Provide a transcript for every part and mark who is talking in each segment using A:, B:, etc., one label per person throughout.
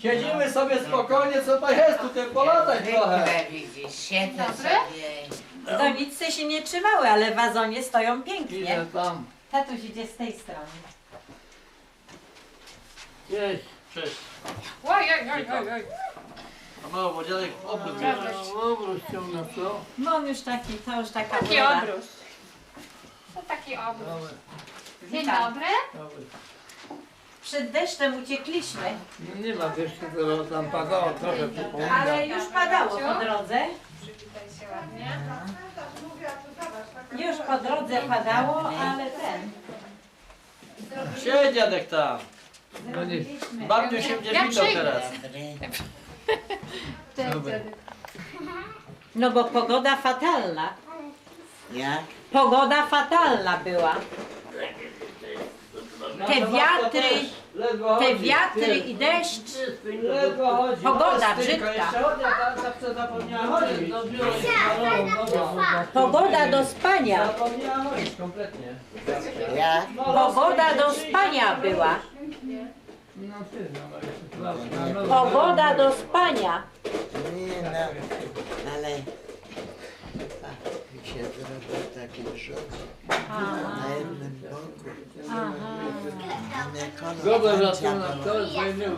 A: Siedzimy sobie spokojnie, co to jest tutaj, polatać trochę.
B: Widzisz, siedzę
C: Dobre?
B: sobie.
D: Doniczce się nie trzymały, ale w wazonie stoją pięknie.
A: Idę tam.
D: Tatuś idzie z tej strony.
A: Cześć. Cześć.
C: Oj, oj, oj, oj, oj.
A: A mało, bo dziadek obrót bierze.
E: Obróć ciągle, co?
D: No on już taki, to już taka
C: Taki
D: uroda.
C: obróz. To taki obróz. Dzień
D: Witam.
C: dobry.
D: Przed deszczem uciekliśmy,
E: Nie ma jeszcze, to tam padało trochę przypomina.
D: ale już padało po drodze.
C: Przywitaj się ładnie.
D: Już po drodze padało, ale ten.
A: Siedź dziadek tam.
D: Zrobiliśmy.
A: Babciu się będzie
C: Ja
A: witał
C: przyjdę.
A: teraz.
D: No bo pogoda fatalna.
B: Jak?
D: Pogoda fatalna była. Te wiatry,
A: Ledwo
D: te
A: chodzi.
D: wiatry
A: Ty,
D: i deszcz.
A: ledwo chodzi.
D: Pogoda
A: Ale stynka,
D: brzydka.
A: Jeszcze chodnia, ta zapomniała chodzić.
D: Pogoda do spania.
A: Zapomniała chodzić kompletnie.
B: Jak?
D: Pogoda do spania była.
E: No ty, no jeszcze słabo.
D: Pogoda do spania.
B: Nie no, ale mi się zrobił taki rzut na jednym boku.
E: Goble zaczyna, to jest wojny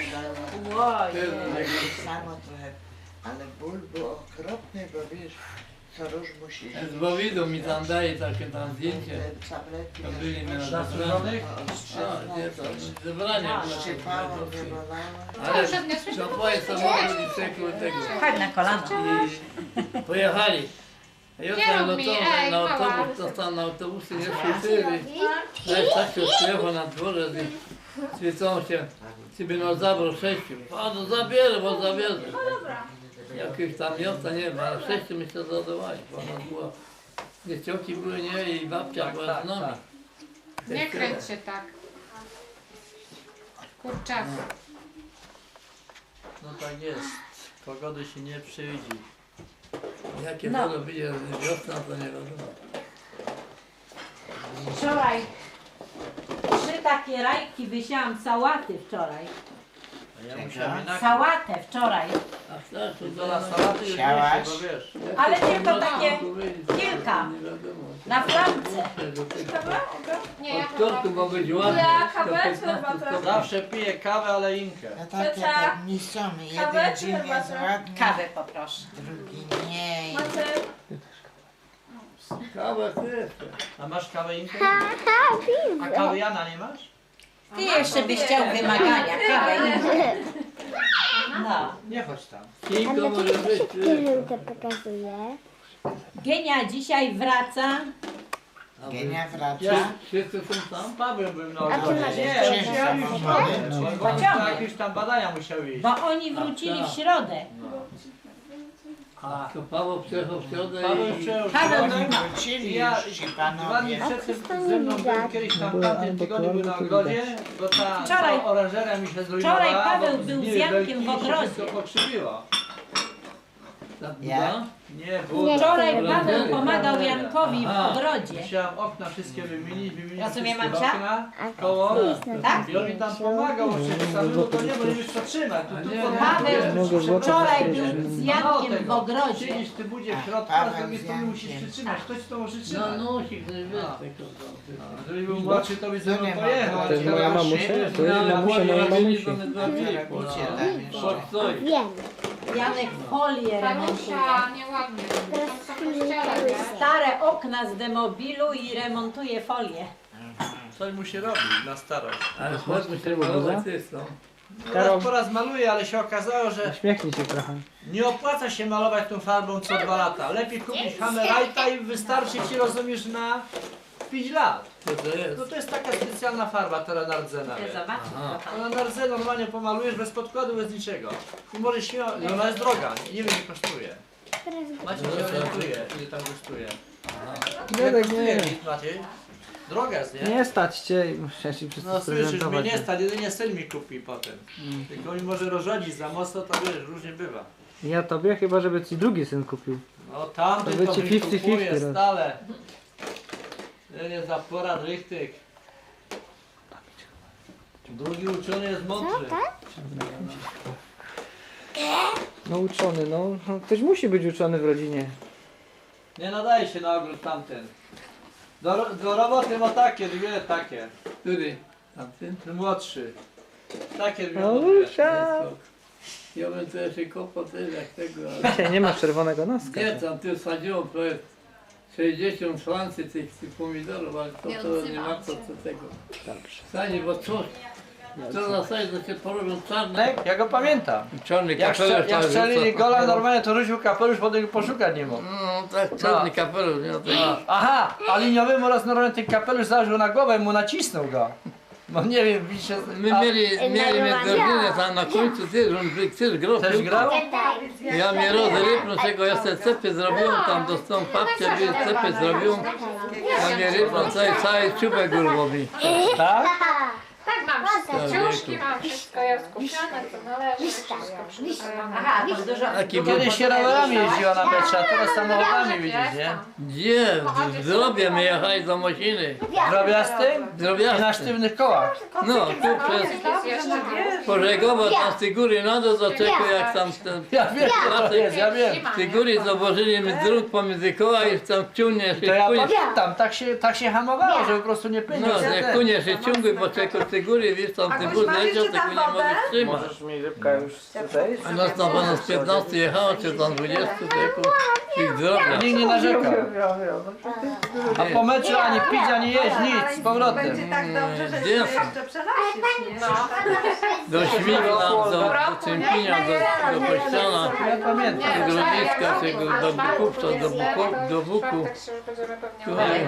B: Samo trochę, ale ból był okropny, bo wiesz, co róż musi
E: Z Bowidu mi tam daje takie tam zdjęcie.
B: te tabletki.
E: To byli na
A: Zastrzeżonych?
E: A, nie, to zebrania.
B: Szczypało, wybolało.
E: Ale zapłaje samochód i czekał tego.
D: Chodź na kolano.
E: I pojechali. A ja
C: Nie
E: tam
C: rób mi,
E: na
C: mała.
E: autobus, to tam na autobusy nie szły. Weź tak się śpiewa na dworze i świecą się. Ciebie no zabrał 6. A no zabierę, bo zabierę. Jakieś tam miasta nie ma, ale 6 mi się zadawali, bo ona była. Nie cioki były, nie, i babcia była z nami.
C: Nie kręć się tak. Kurczak.
A: No tak jest. Pogody się nie przydzi.
E: Jakie
D: No.
E: to będzie wiosna, to nie wiadomo.
D: Wczoraj 3 takie rajki wysiałam sałaty wczoraj.
A: A ja musiałem inaczej.
D: Sałatę wczoraj.
E: A tak, to
A: Do nas salaty już
B: Chciałaś?
A: nie się, bo wiesz.
D: Ale tylko takie kilka.
E: Nie wiadomo.
D: Na flamce.
C: Nie, ja
E: Od tortu ma być ładnie.
A: Zawsze piję kawę, ale inkę.
B: No takie tak niszczone. Jeden dzień jest ładny,
D: Kawę poproszę.
B: drugi nie.
E: Kawa też.
A: A masz kawę inkę? A kawy Jana nie masz?
D: Ty jeszcze byś chciał wymagania. Kawę i no.
A: Nie chodź tam.
E: Kinko może być.
F: Żółte pokazuje.
D: Genia dzisiaj wraca.
B: Genia wraca.
E: Wszyscy są tam?
A: Z Pawłem byłem na
F: A ty
A: ogrodzie.
F: masz
A: Nie,
B: jeszcze
A: musiałem iść
B: samochody?
A: w
B: Czy-
A: Bo na jakieś tam badania musiał iść.
D: Bo oni wrócili w środę.
E: A to Paweł przyjechał w środę
A: Paweł
E: i...
A: przyjął
D: Paweł
A: środę.
B: Wrócili
A: Ja
B: już ci
A: 2 dni
B: panowie.
A: przed tym ze mną był kiedyś tam w tamtym tygodniu był na ogrodzie, bo ta
D: Wczoraj-
A: oranżeria mi się zrujnowała.
D: wczoraj Paweł
A: bo
D: był z
A: nie,
D: Jankiem
A: belki
D: w
A: mi się
D: ogrodzie.
A: wszystko pokrzywiło.
E: Ta
B: Jak?
E: Buda?
A: Nie, Buda.
D: Wczoraj
E: Oranżeria.
D: Paweł pomagał Jankowi w
E: Aha.
D: ogrodzie.
A: Musiałem okna wszystkie wymienić
D: Rozumie,
A: wszystkie
D: Mamcia?
A: okna,
F: A
A: koło.
D: Tak?
A: I on mi tam pomagał, oczywiście samemu to nie, bo nie wiesz co trzymać.
E: A
A: Tu
E: nie,
A: pod-
D: Paweł wczoraj był z Jankiem w ogrodzie.
A: Siedzisz ty budzie w środku,
B: Paweł
A: a z drugiej
B: z
A: strony musisz
B: Jankiem.
A: przytrzymać. Ktoś to może
E: No
A: trzymać.
E: nosik, nie wiesz
A: A.
E: tego tam.
A: Jeżeli był młodszy, to by ze mną
B: nie ma.
A: pojechał.
B: To jest
A: ale
B: moja
A: teraz
B: mamusia?
A: siedzisz,
E: To jest
A: no,
E: mamusia mojej mamusi.
B: Robicie tam jeszcze.
F: Wiem.
D: Janek folię remontuje.
C: Marusia, nieładnie. Tam są kościele, nie?
D: Stare okna z demobilu i remontuje folię.
A: Coś mu się robi na starość.
E: Ale chodźmy się malować jest, no.
A: Raz po raz maluję, ale się okazało, że
G: Uśmiechnij się trochę.
A: nie opłaca się malować tą farbą co 2 lata. Lepiej kupić Hammerite'a i wystarczy ci, rozumiesz, na 5 lat.
E: Co to jest?
A: No to jest taka specjalna farba, ta Nardzena.
D: Chcę zobaczyć
E: Aha.
D: to tam.
A: Ona Nardzę normalnie pomalujesz bez podkładu, bez niczego. I możesz śmiało, i ona jest droga, nie wiem ile kosztuje. Maciej się orientuje, ile tam kosztuje. Ile
G: Dziadek,
A: kosztuje,
G: nie.
A: Maciej? Droga jest, nie?
G: Nie stać cię i muszę ci wszystko
A: No słyszysz, mnie
G: sprezentować.
A: nie stać, jedynie syn mi kupi potem.
G: Mm.
A: Tylko mi może rozrodzić za mocno, to wiesz, różnie bywa.
G: Ja tobie chyba, żeby ci drugi syn kupił.
A: No tamty
G: To by
A: to
G: ci
A: mi
G: 50-50
A: kupuje
G: roz-
A: stale. Nie za porad rychtyk. Drugi uczony jest mądry.
G: No uczony, no. Ktoś musi być uczony w rodzinie.
A: Nie nadaje się na ogród tamten. Do roboty ma takie, dwie takie.
E: Który? Tamten?
A: Ten młodszy. Takie dwie
G: No
A: mądre.
G: rusza.
E: Ja bym to jeszcze kopał też jak tego, ale...
G: Dzisiaj nie masz czerwonego noska.
E: Nie, tam tu sadziło prawie 60 szlancy tych pomidorów, ale to nie ma co tego.
G: Dobrze.
E: Sanie, bo co na sali to się porobią czarne.
A: Ja go pamiętam.
E: Czarny
A: Jak strzelili gola normalnie, to rzucił kapelusz, potem go poszukać nie mógł.
E: No tak, czarny kapelusz, nie no tego.
A: Aha, a liniowym oraz normalnie ten kapelusz założył na głowę i mu nacisnął go. Bo nie wiem, widzicie...
E: My mieli godzinę tam na końcu też grał.
A: Też grał?
E: Ja mnie rozrypnął, czego ja sobie cepy zrobiłem, tam dostałem papcie, cepy zrobiłem. Ja mnie rypnął, cały czubek urwał.
A: Tak?
C: Tak, mam wszystko. Ciuszki mam wszystko, ja skupione, co należy, wszystko przygotowane.
D: Aha, to dużo.
E: Taki był.
A: Kiedyś się rowerami jeździła na mecze, a teraz samochodami widzisz, nie?
E: Gdzie? W zdrobie my jechali do Mosiny.
A: Drobiastym? I na
E: Drobiazdy.
A: sztywnych kołach.
E: No, tu przez
C: Jest jeszcze
E: Pożegowo tam z tej góry na dół do czego jak tam ten...
A: Ja wiem, co to jest, ja wiem.
E: Z tej góry założyli mi drut pomiędzy koła i tam ciągnie
A: To ja
E: się kunie.
A: pamiętam, tak się hamowało, żeby po prostu nie pędził.
E: No, jak kunie się ciągły, bo czego z tej góry, wiesz, tam ten wóz leciał, tego nie mogę trzymać.
G: Możesz mi rybka już zejść?
E: A nas tam z 15 jechało, czy tam 20, tego ich drobia.
A: Nikt nie narzekał. A po meczu ani pić, ani jeść, nic, z powrotem.
H: Będzie tak dobrze, że się
E: Jasne.
H: jeszcze przenosisz, nie?
E: Do Śmigla, do Czempinia, do Kościana,
A: Ja pamiętam.
E: do Grodziska, tego do Bukówca, do Buku. Tutaj,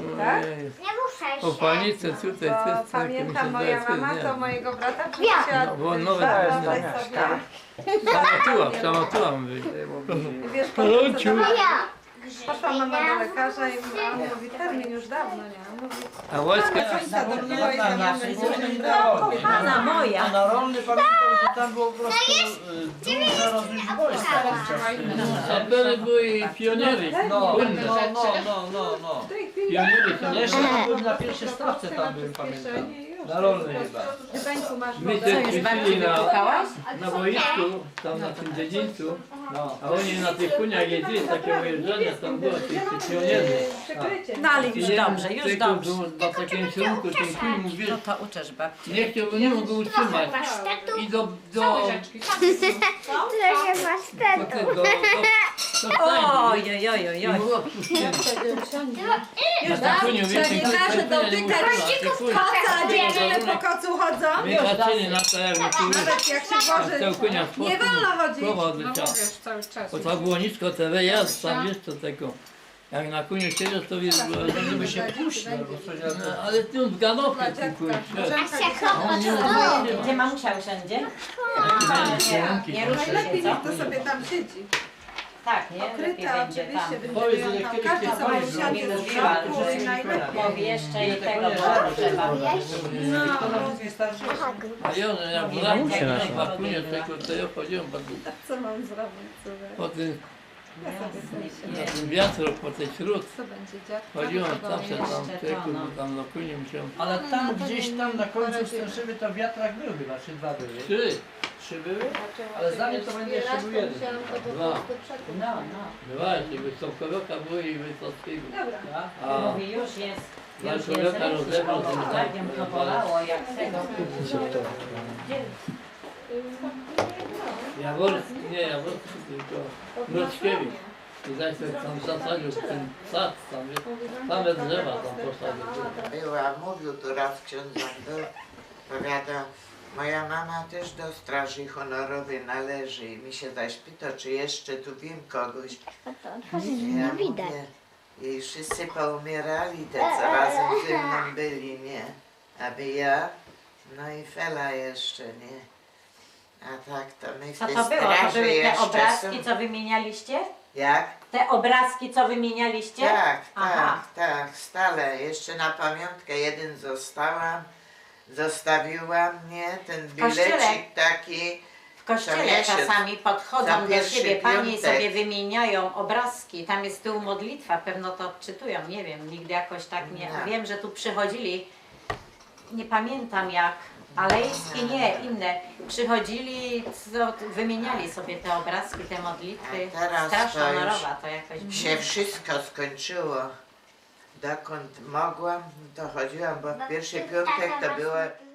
E: po panice tutaj,
H: Bo
E: też
H: pamiętam, moja mama to mojego brata przynosiła
E: No, bo nowe
H: wyobraź sobie.
E: Samatułam być.
H: Wiesz, potem co poszła mama do lekarza i on mówi, termin już dawno, nie? On mówi,
E: A wojsko,
H: końca dobiła i zamiast
D: Kochana moja.
A: A na rolny pamiętam, że tam było po prostu duża rozwój wojska.
E: sapery były i pioniery.
A: No,
E: Płynne.
A: no.
H: w tej chwili
E: Pioniery są
A: Jeszcze byłem na pierwszej stawce tam byłem, pamiętam. Na rolnej chyba.
H: w Gdańsku masz
E: My
H: wodę.
E: też
D: Już babci
E: ćwiczyli
D: wypukałaś?
E: na boisku, tam na tym dziedzińcu, a oni na tych koniach jeździli, takie ujeżdżania, tam było tych pionierzy.
H: Przykrycie.
D: No ale już dobrze, już dobrze.
E: Na takim kierunku ten kuj mówił,
D: No to uczesz babci.
E: nie chciałby, nie mógł utrzymać. I do
D: Oj, oj, oj, oj,
E: I
D: oj.
E: było odpuszczenie.
H: Już
E: Na koniu, wiesz,
H: nie każe dotykać koca, dziewczyny po kocu chodzą.
E: wykaczyli na to jakby tu już.
H: Nawet jak się
E: A
H: włoży,
E: z konia
H: nie wolno chodzić.
E: słowa
C: No
E: odleciała.
C: mówisz cały czas.
E: Bo to było nisko TV, ja tam jeszcze tego. Jak na koniu siedział, to wiesz, było...
A: Żeby się puścić, albo coś,
E: No, ale ty w galopie ty kuj.
D: Gdzie mamusia usiądzie? Nie ruszy się,
H: Najlepiej niech
D: co?
H: to sobie tam siedzi.
D: Tak, nie? Lepiej
H: Okryta
D: będzie tam.
H: oczywiście,
A: Powiedz,
H: będzie
A: że
H: tam
A: kiedyś
H: każdy
A: nie
H: sobie
A: powiedz,
H: usiądzie
D: że
H: z
D: mówiła,
H: środku
D: że
H: i najlepiej.
D: Mówi jeszcze i tego, bo trzeba.
A: Kto na wszystkich starszych?
E: A ja, że ja w
G: Mamusia
E: ramach
G: nasza.
E: na bakunie tego, to ja chodziłem
H: Co mam zrobić, córek?
E: po tym,
H: Ja sobie myślę,
E: na tym wiatru, po tej śród.
H: co będzie dziadka?
E: Chodziłem zawsze tam,
D: Jeszcze
E: tego,
D: to, no.
E: bo tam na kunie musiałem.
A: Ale tam gdzieś tam na końcu Stęszywy to wiatrak był chyba, czy dwa były?
E: 3,
A: 3 były? Ale za mnie to będzie jeszcze był jeden.
E: 2,
D: No, no.
E: właśnie, Wysokoroka były i Wysockiego.
H: Dobra.
E: A
D: Mówi, już jest. Już jest
E: Człowieka rozebrał, ten
D: tak to bolało jak tego.
E: Jaworski, nie Jaworski, tylko Mroczkiewicz. I zaś tam zasadził ten sad, tam, same drzewa tam posadził.
B: Była, mówił tu raz ksiądz był, powiada, moja mama też do straży honorowej należy i mi się zaś pyta, czy jeszcze tu wiem kogoś. Ja mówię, i wszyscy poumierali, te co razem ze mną byli, nie? Aby ja, no i Fela jeszcze, nie? A tak to my w
D: Co
B: tej
D: to było? To
B: straży
D: były te
B: jeszcze
D: obrazki,
B: są.
D: co wymienialiście?
B: Jak?
D: Te obrazki, co wymienialiście?
B: Tak,
D: Aha.
B: tak, stale. Jeszcze na pamiątkę jeden zostawiłam, nie? Ten
D: kościele?
B: bilecik taki.
D: W kościele
B: Co miesiąc.
D: czasami
B: Za
D: podchodzą do
B: pierwszy
D: siebie panie i
B: piątek.
D: sobie wymieniają obrazki. Tam jest z tyłu modlitwa, pewno to odczytują, nie wiem, nigdy jakoś tak nie.
B: Nie.
D: Wiem, że tu przychodzili, nie pamiętam jak, Alejskie nie, inne. Przychodzili, wymieniali sobie te obrazki, te modlitwy.
B: A teraz
D: Straż
B: to już
D: honorowa to jakoś...
B: się wszystko skończyło. Dokąd mogłam, to chodziłam, bo w pierwszy piątek to było